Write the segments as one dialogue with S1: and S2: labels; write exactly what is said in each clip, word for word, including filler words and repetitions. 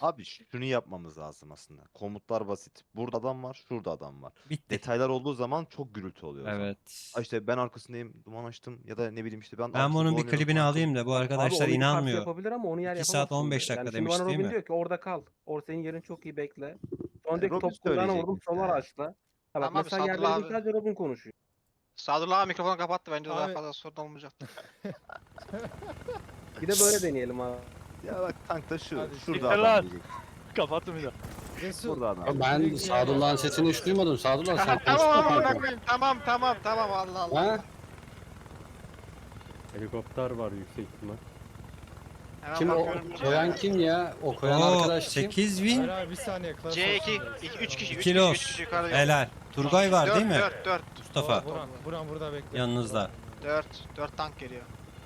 S1: Abi şunu yapmamız lazım aslında. Komutlar basit. Burada adam var, şurada adam var.
S2: Bitti.
S1: Detaylar olduğu zaman çok gürültü oluyor o zaman. Ha
S2: Evet.
S1: işte ben arkasındayım, duman açtım ya da ne bileyim işte ben
S2: Ben
S1: arkasında
S2: bunun bir
S1: dolanıyorum,
S2: klibini
S1: arkam.
S2: alayım da bu
S3: Abi
S2: arkadaşlar
S3: onu bir karşı
S2: inanmıyor.
S3: yapabilir ama onu yer
S2: iki saat
S3: yapamaz
S2: on
S3: şimdi.
S2: beş
S3: Yani
S2: dakika
S3: şimdi bana
S2: demiş değil
S3: Robin
S2: mi?
S3: diyor ki orada kal. Orada senin yerin çok iyi bekle. Sonra
S1: Yani
S3: diyor ki
S1: Robin
S3: top kulağına
S1: söyleyecek
S3: vurdum sola
S1: muhtemelen.
S3: açla. Ha bak
S4: Tamam abi
S3: mesela
S4: Sadullah
S3: yerlerde
S4: abi.
S3: sadece Robin konuşuyor.
S4: Sadullah abi mikrofonu kapattı bence daha
S5: Abi-
S4: fazla sorun olmayacaktı.
S3: Bir de böyle deneyelim abi.
S1: Ya bak tankta şu,
S5: Hadi
S1: şurada
S6: siktir
S1: adam
S6: lan.
S1: diyecek.
S6: Kapattım bir daha.
S5: Resul.
S1: Burada adam.
S7: Ya ben Sadullah'ın sesini hiç duymadım. Sadullah sen
S4: tamam
S7: konuşma
S4: amına
S7: kanka.
S4: koyayım. Tamam tamam tamam Allah Allah.
S7: Ha?
S8: Helikopter var yüksek ihtimal.
S4: Hemen
S7: Kim o?
S4: bakıyorum.
S7: Koyan kim ya? O koyan
S2: Oo,
S7: arkadaş kim?
S2: sekiz
S5: Hayır
S2: win.
S5: abi bir saniye. klas
S4: C iki,
S5: olsun.
S4: üç kişi, üç
S2: iki
S4: kişi,
S2: los.
S4: üç kişi yukarıda yok.
S2: Helal. Turgay var değil mi?
S4: dört, dört,
S2: Mustafa.
S5: Oo, Buran, Buran burada bekle.
S2: Yanınızda.
S4: dört, dört tank geliyor.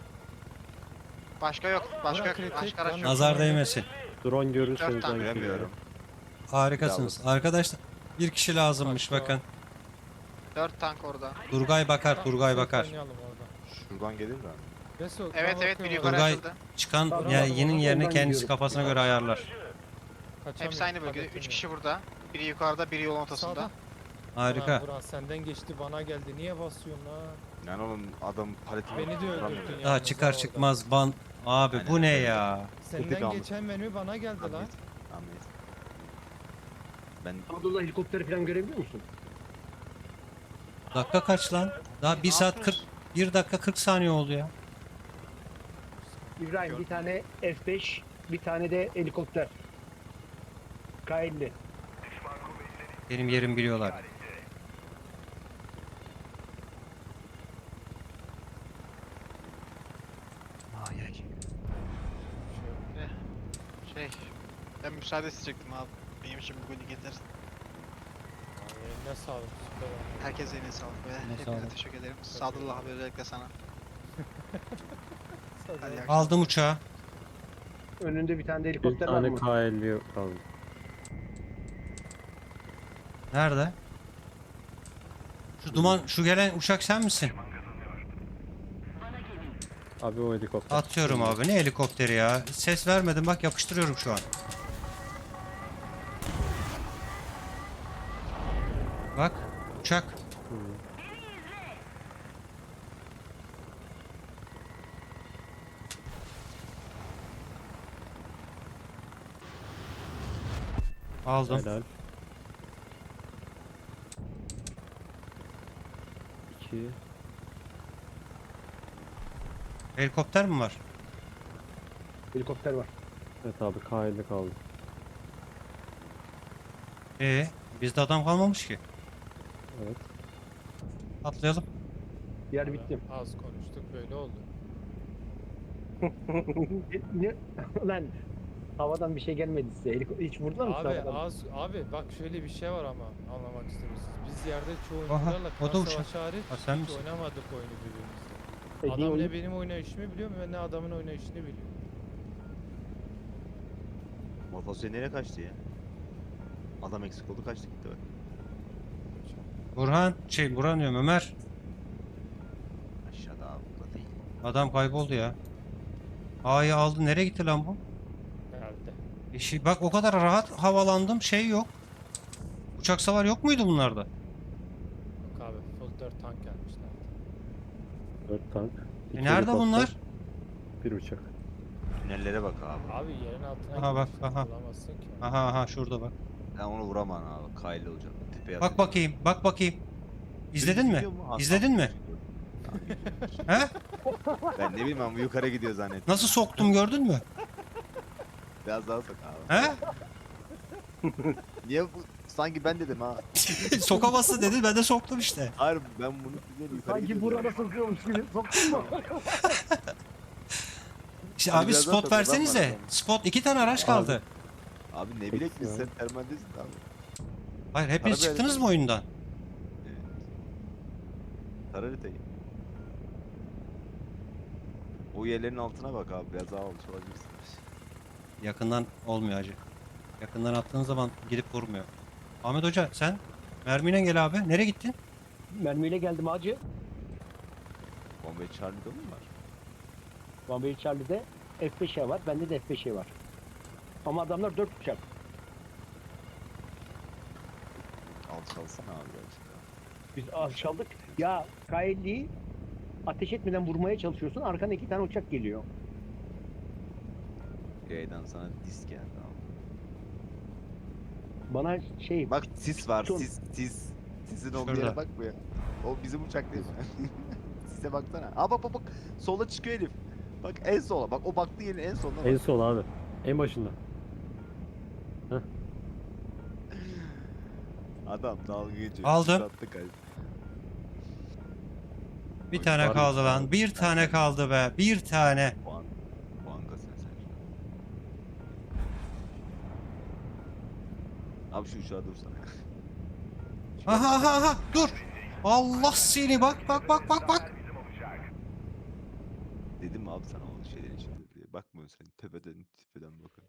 S4: Başka yok, başka
S5: Burak
S4: yok,
S5: kritik,
S4: başka araç
S5: lan.
S4: yok.
S2: Nazar değmesin.
S8: Drone görürseniz
S4: Dört tane
S8: ben
S1: Göremiyorum.
S2: Harikasınız. Arkadaşlar bir kişi lazımmış
S5: Başka.
S2: bakın.
S4: dört tank orada.
S2: Turgay bakar,
S5: Tamam,
S2: Turgay
S5: safe
S2: bakar.
S5: oynayalım orada.
S1: Şuradan gelir mi?
S5: Resul,
S4: Evet
S5: ben
S4: evet bir
S5: bakıyorum
S4: yukarı
S2: Turgay-
S4: açıldı.
S2: Çıkan
S3: Tamam,
S2: yani
S3: tamam,
S2: yenin
S3: tamam,
S2: yerini
S3: ondan
S2: kendisi
S3: gidiyorum.
S2: kafasına göre ayarlar.
S5: Kaçamıyorum,
S4: Hepsi aynı bölgede.
S5: kadetim
S4: üç
S5: yok.
S4: kişi burada. Biri yukarıda, biri yolun ortasında.
S5: Sağda.
S2: Harika.
S5: Lan Buran senden geçti bana geldi. Niye basıyorsun la?
S1: Yani oğlum adam paletini
S5: Beni de
S1: vuramıyor.
S5: öldürdün ya.
S2: Daha çıkar çıkmaz ban. Abi bu
S1: Aynen
S2: ne
S1: öyle.
S2: ya?
S5: Senden
S1: Kötü bir
S5: geçen menü bana geldi lan.
S1: Ahmet. Ahmet. Ben
S3: Abdullah helikopteri falan görebiliyor musun?
S2: Dakika kaç lan? Daha bir
S4: Ne
S2: saat kırk,
S4: yapıyorsun?
S2: bir dakika kırk saniye oldu ya.
S9: İbrahim bir tane F beş, bir tane de helikopter. K elli.
S2: Benim yerimi biliyorlar. Ay ay.
S4: Şey, ben müsaade isteyecektim abi. Benim için bugün yeter.
S5: Ne sağlık süper oldu.
S4: Herkese eline sağlık ve
S2: Eline
S4: hepinize
S2: sağlık.
S4: teşekkür ederim. Sadullah abi özellikle sana. Hadi iyi akşamlar.
S2: Aldım uçağı.
S9: Önünde bir tane de
S8: Bir
S9: helikopter var
S8: tane
S9: mı?
S8: K elli kaldı.
S2: Nerede? Şu duman, şu gelen uçak sen misin?
S8: Abi o helikopter.
S2: Atıyorum abi. Ne helikopteri ya? Ses vermedim bak yapıştırıyorum şu an. Bak uçak.
S8: Hı.
S2: Aldım.
S8: Helal. İki.
S2: Helikopter mi var?
S9: Helikopter var.
S8: Evet abi K elli kaldı.
S2: Ee, bizde adam kalmamış ki.
S8: Evet.
S2: Atlayalım.
S9: Yer bitti.
S5: Az konuştuk böyle oldu.
S9: ne? Lan havadan bir şey gelmedi size. Heliko- Hiç vurdular mı size
S5: Abi
S9: havadan?
S5: az abi bak şöyle bir şey var ama anlamak istiyorsunuz. Biz yerde çoğu
S2: Aha,
S5: oyuncularla
S2: o da
S5: klan
S2: uçak.
S5: savaşı hariç
S2: Ha, sen
S5: hiç
S2: misin?
S5: oynamadık oyunu birbirimizle.
S9: E, niye
S5: Adam
S9: oyun-
S5: ne benim oynayışımı biliyor ve ne adamın oynayışını biliyor.
S1: motosiklet nereye kaçtı ya? Adam eksik oldu kaçtı gitti bak.
S2: Burhan, şey Burhan diyorum Ömer.
S1: Aşağıda abi burada değil.
S2: Adam kayboldu ya. A'yı aldı. Nereye gitti lan bu?
S5: Herhalde.
S2: E şey, bak o kadar rahat havalandım. Şey yok. Uçak savar yok muydu bunlarda?
S5: Yok abi full dört tank gelmişler.
S8: Dört tank.
S2: E
S8: iki
S2: nerede
S8: helikopter,
S2: bunlar?
S8: Bir uçak.
S1: Tünellere bak abi.
S5: Abi yerin altına
S2: Aha, bak,
S5: girmişler,
S2: aha.
S5: bulamazsın ki.
S2: Aha aha şurada bak.
S1: Ben onu vuramam abi. Kaylı olacak. Tepeye
S2: Bak
S1: atacak.
S2: bakayım, bak bakayım. İzledin mi?
S1: Gidiyor mu? Ha,
S2: İzledin mi? He?
S1: Ben ne bileyim ama yukarı gidiyor zannettim.
S2: Nasıl soktum gördün mü?
S1: Biraz daha sok abi.
S2: He?
S1: Niye bu? Sanki ben dedim ha.
S2: Sokamazsın dedi ben de soktum işte.
S1: Hayır ben bunu güzel yukarı
S9: Sanki
S1: gidiyor
S9: burada
S1: zannettim.
S9: sokuyormuş gibi soktun mu?
S2: İşte
S1: Hadi
S2: abi
S1: biraz daha
S2: spot
S1: sok, adam var
S2: versenize.
S1: adam.
S2: Spot iki tane araç kaldı.
S1: Abi ne bilek biz
S8: Ya.
S1: sen termaldesin abi.
S2: Hayır hepiniz
S1: Para
S2: çıktınız
S1: verin.
S2: mı oyundan?
S1: Evet. Tar haritayı. O yerlerin altına bak abi biraz daha almış olabilirsin.
S2: Yakından olmuyor acı. Yakından attığın zaman gidip vurmuyor. Ahmet Hoca sen mermiyle gel abi. Nereye gittin?
S9: Mermiyle geldim acı.
S1: Bombay Charlie'de mi var?
S9: Bombay Charlie'de F beş'e var. Bende de F beş'e var. Ama adamlar dört uçak.
S1: Alçalsana abi gerçekten.
S9: Biz alçaldık. Ya K elliyi ateş etmeden vurmaya çalışıyorsun. Arkana iki tane uçak geliyor.
S1: Yaydan sana disk geldi abi.
S9: Bana şey
S1: Bak sis var
S9: Son-
S1: sis sis. Sisin olduğu
S2: Şurada.
S1: yere bakmıyor. O bizim uçak değil mi? Sise baksana. Aa bak bak bak. Sola çıkıyor herif. Bak en sola. Bak o baktığı yerin en sonuna bak.
S8: En sol abi. En başında.
S1: Adam dalga geçiyor.
S2: Aldı.
S1: Sis attı kalp.
S2: Bir
S1: Oy,
S2: tane
S8: var
S2: kaldı
S8: mı?
S2: lan. Bir tane kaldı be. Bir tane.
S1: Puan. Puan kasın sen şu an. Abi şu uçağa dursana.
S2: Aha aha aha. Dur. Allah seni bak bak bak bak bak.
S1: Dedim mi abi sana o şeylerin içinde diye. Bakmıyorsun sen. Tepeden tepeden bakın.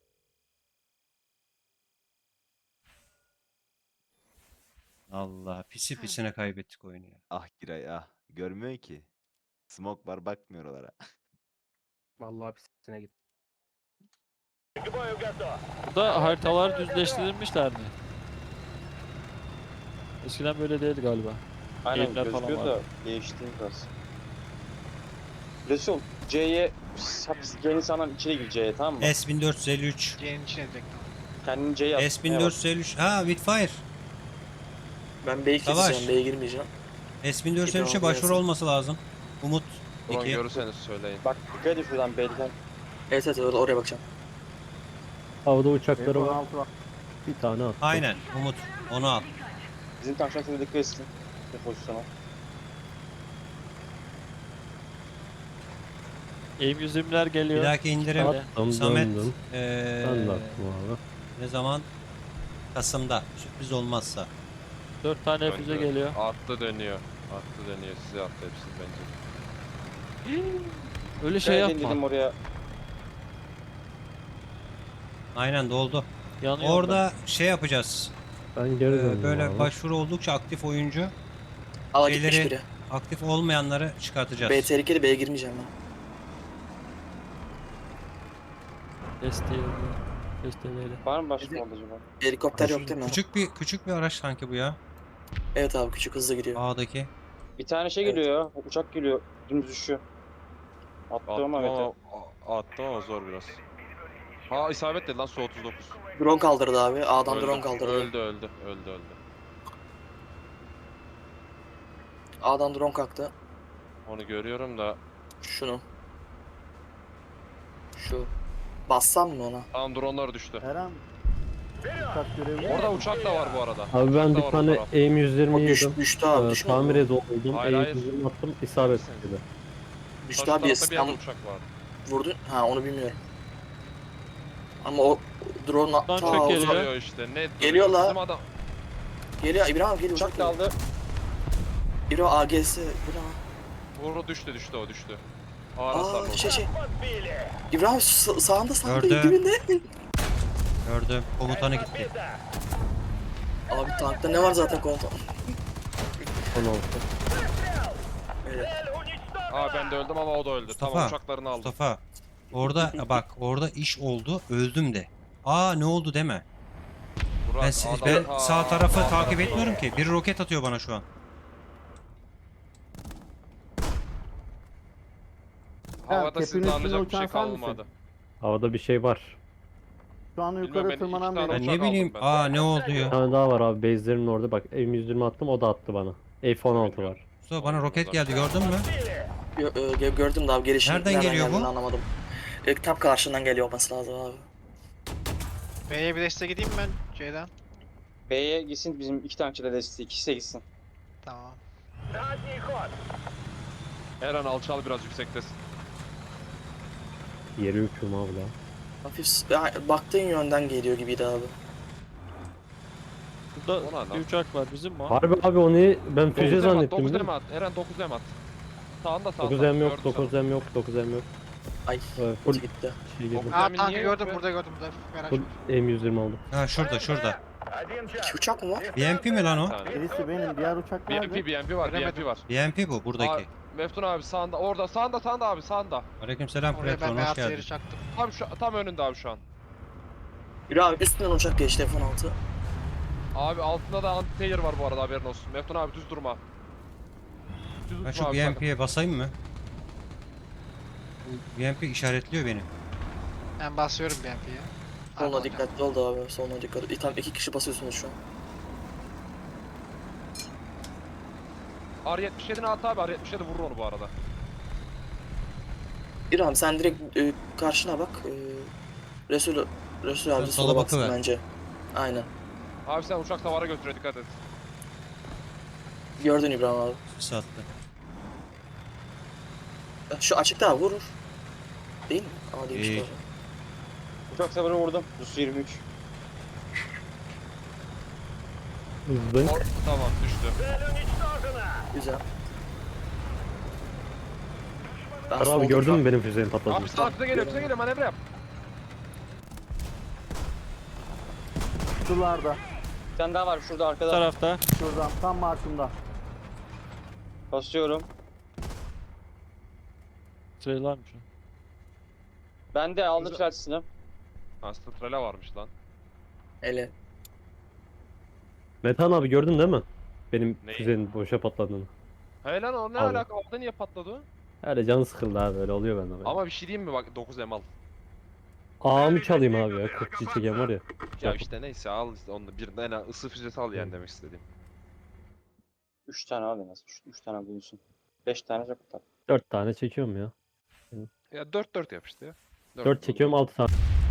S2: Allah pisi pisine kaybettik oyunu ya.
S1: Ah Giray ah. Görmüyor ki. Smoke var bakmıyor oralara.
S3: Vallahi pisine git.
S6: Burada haritalar düzleştirilmişler mi? Eskiden böyle değildi galiba.
S10: Aynen
S6: Eğimler falan
S10: gözüküyor da
S6: vardı.
S10: değişti biraz. Resul C'ye C'nin sana içeri gir C'ye tamam mı?
S2: S bin dört yüz elli üç.
S4: C'nin içine direkt.
S10: Kendini C'ye at.
S2: S bin dört yüz elli üç. Ha Witfire.
S11: Ben B'yi
S2: Savaş.
S11: keseceğim, B'ye girmeyeceğim.
S2: S bin dört yüz elli üçe başvuru olması lazım. Umut iki.
S10: görürseniz söyleyin. Bak dikkat et şuradan B'den.
S11: Evet evet orada oraya bakacağım.
S8: Havada uçakları
S3: F on
S8: var.
S3: altı var.
S8: Bir tane attı.
S2: Aynen Umut. Onu al.
S10: Bizim tam şuna dikkat etsin. Ne pozisyona.
S6: Eğim yüz yirmiler geliyor.
S2: Bir dahaki indirim.
S6: Hadi.
S8: Attım
S2: Samet.
S8: döndüm.
S2: Ee,
S8: Ben de attım abi.
S2: ne zaman? Kasım'da. Sürpriz olmazsa.
S6: Dört tane füze geliyor.
S10: Attı dönüyor. Attı dönüyor. Size attı hepsini bence.
S6: Öyle şey yapma.
S10: dedim oraya.
S2: Aynen doldu.
S6: Yanıyorum
S2: Orada şey yapacağız.
S8: Ben geri
S2: Ee,
S8: döndüm
S2: böyle
S8: abi.
S2: başvuru oldukça aktif oyuncu,
S11: A'ya gitmiş
S2: Şeyleri-
S11: biri.
S2: aktif olmayanları çıkartacağız.
S11: B tehlikeli, B'ye girmeyeceğim ben.
S6: ben. Desteği Desteğiyle.
S10: Var mı başka oldu acaba?
S11: Helikopter yok değil mi?
S2: Küçük bir küçük bir araç sanki bu ya.
S11: Evet abi küçük hızlı gidiyor.
S2: A'daki.
S10: Bir tane şey
S11: Evet.
S10: geliyor ya. Uçak geliyor. Dümdüz düşüyor. Attı ama evet.
S12: Attım ama zor biraz. Ha isabet dedi lan su otuz dokuz.
S11: Drone kaldırdı abi. A'dan
S12: Öldü,
S11: drone kaldırdı.
S12: Öldü öldü öldü öldü.
S11: A'dan drone kalktı.
S12: Onu görüyorum da
S11: Şunu. Şu. Bassam mı ona?
S12: tam dronlar düştü.
S3: Her an uçak görevi
S12: Orada uçak da var bu arada.
S8: Abi ben
S12: Uçak da
S8: bir
S12: var o
S8: tane
S12: tarafta.
S8: aim yüz yirmi
S11: O düş,
S8: yedim.
S11: düştü abi.
S8: Ee,
S11: Düşmedi mi?
S8: tamir oldum.
S12: Hayır,
S8: aim
S12: hayır.
S8: yüz yirmi attım. İsabet dedi.
S11: Düştü
S12: Karşı
S11: abi.
S12: tarafta bir yerde
S11: Sen
S12: uçak var.
S11: vurdun. Ha onu bilmiyorum. Ama o drone
S6: Lan
S11: ta
S6: çok
S11: uzak-
S6: geliyor.
S12: Geliyor işte ne
S11: Geliyor la.
S12: Bizim adam
S11: Geliyor. İbrahim abi geliyor.
S10: Uçak
S11: Uçak geliyor.
S10: kaldı.
S11: İbrahim A G S. Bu ne lan?
S12: vuru düştü düştü o düştü. Ağır hasarlı
S11: Aa
S12: oldu.
S11: şey şey. İbrahim sa- sağında sağında
S2: Gördüm.
S11: dibinde.
S2: Gördüm. Komutanı gitti.
S11: Abi tankta ne var zaten komutan?
S8: on altı.
S11: Evet.
S12: Aa ben de öldüm ama o da öldü.
S2: Mustafa,
S12: Tamam uçaklarını aldım.
S2: Mustafa. Orada bak orada iş oldu. Öldüm de. Aa ne oldu deme.
S12: Burak,
S2: Ben, si-
S12: adam-
S2: ben
S12: Ha,
S2: sağ tarafı
S12: sağ
S2: takip
S12: tarafı
S2: etmiyorum
S12: doğru.
S2: ki. Bir roket atıyor bana şu an.
S12: Havada
S3: tepenin
S12: sizde
S3: üstünde
S12: anlayacak bir şey
S3: uçan sen misin?
S12: kalmadı.
S8: Havada bir şey var.
S3: Şu an
S12: Bilmem,
S3: yukarı
S12: ben iki
S3: tırmanan
S12: tane
S3: biri.
S2: Ben
S12: uçak
S2: ne bileyim.
S12: aldım ben.
S2: Aa ne oldu
S8: Bir
S2: ya?
S8: tane daha var abi. Base'lerin orada. Bak aim yüz yirmi attım. O da attı bana. F on altı var.
S2: Mustafa bana roket geldi gördün mü?
S11: Gö- e, gördüm de abi gelişini
S2: Nereden geliyor bu?
S11: geldiğini anlamadım. E, tam karşından geliyor olması lazım abi.
S4: B'ye bir deste gideyim mi ben C'den?
S10: B'ye gitsin bizim iki tankçı da desteği. İkisi de gitsin.
S4: Tamam.
S12: Her an alçal biraz yüksektesin.
S8: Yeri uçurum abi daha.
S11: Hafif s- ya, baktığın yönden geliyor gibiydi abi.
S6: Burada
S12: O ne lan?
S6: bir uçak var bizim mi? o?
S8: Harbi abi onu ben füze
S12: dokuz M at,
S8: zannettim.
S12: dokuz
S8: biliyor
S12: M
S8: musun?
S12: at. Eren dokuz M at. Sağında sağında.
S8: dokuz M yok,
S12: Gördüm
S8: dokuz
S12: sana.
S8: M yok, dokuz M yok.
S11: Ay
S8: Evet, full
S11: gitti.
S8: şey girdim.
S12: Dokuz-
S4: Aa
S12: Demin
S4: tankı
S12: niye
S4: gördüm
S12: yok be?
S4: burada gördüm burada. Merak
S8: Full
S4: etme.
S8: aim yüz yirmi aldım.
S2: Ha şurada şurada.
S11: İki uçak mı var?
S2: B M P mi lan o?
S12: Bir tane.
S3: Birisi benim, diğer uçak
S12: B M
S3: nerede?
S12: P, B M P var, B M P
S4: Göremedim.
S12: var.
S2: B M P bu
S12: Aa,
S2: buradaki.
S12: Meftun abi sağında, orada, sağında, sağında abi, sağında.
S2: Aleykümselam
S4: Oraya ben
S2: Platon hoş
S4: beyaz
S2: geldin.
S4: yeri çaktım.
S12: Tam şu, tam önünde abi şu an.
S11: Yürü abi üstünden uçak geçti F on altı.
S12: Abi altında da anti-tayer var bu arada, haberin olsun. Meftun abi düz durma. Düz
S2: Ben
S12: uçma
S2: şu
S12: abi.
S2: B M
S12: bak.
S2: P'ye basayım mı? Bu B M P işaretliyor beni.
S4: Ben basıyorum B M P'ye.
S11: Soluna dikkatli ol da abi. Soluna dikkat ol. Tam iki kişi basıyorsunuz şu an.
S12: R yetmiş yedi'ne at abi. R yetmiş yedi vurur onu bu arada.
S11: Yürü abi sen direkt e, karşına bak. E, Resul, Resul abi
S2: Sen
S11: sola
S2: sola
S11: baksın
S2: bakıver.
S11: bence. Aynen.
S12: Abi sen uçak savara götüre dikkat et.
S11: Gördün İbrahim abi.
S2: Sattı.
S11: Şu açıkta abi vurur. Değil mi? Aa değilmiş
S2: İyi.
S11: doğru.
S7: Uçak savarı vurdum. Rus yirmi üç.
S8: Hızlı.
S12: Or tamam düştü.
S11: Güzel. Ben
S8: Kara abi
S11: solda-
S8: gördün mü benim füzenin patladığını?
S12: Abi sana füze geliyor, füze geliyor, manevra yap.
S3: Sularda.
S7: Bir tane daha var şurada
S6: Bu
S7: arkada.
S6: tarafta.
S3: Şuradan tam markımda.
S7: Basıyorum.
S6: Trailer mı şu?
S7: Ben de aldım
S12: Güzel.
S7: çarşısını.
S12: Aslında trela varmış lan.
S11: Ele.
S8: Metan abi gördün değil mi? Benim
S12: Neyi?
S8: füzenin boşa patladığını.
S12: Hey lan o ne
S8: Abi.
S12: alaka? Orada niye patladı o?
S8: Öyle canı sıkıldı abi öyle oluyor bende böyle.
S12: Ama bir şey diyeyim mi bak, dokuz M al.
S8: Ağamı çalayım abi ya. kırk kişi çeken var ya.
S12: Ya işte neyse al işte onu, bir en az ısı füzesi al yani demek istediğim.
S7: üç tane al en az. üç tane bulunsun. beş tane çok tutar.
S8: dört tane çekiyorum ya.
S12: Ya dört dört yap işte ya.
S8: dört çekiyorum altı tane.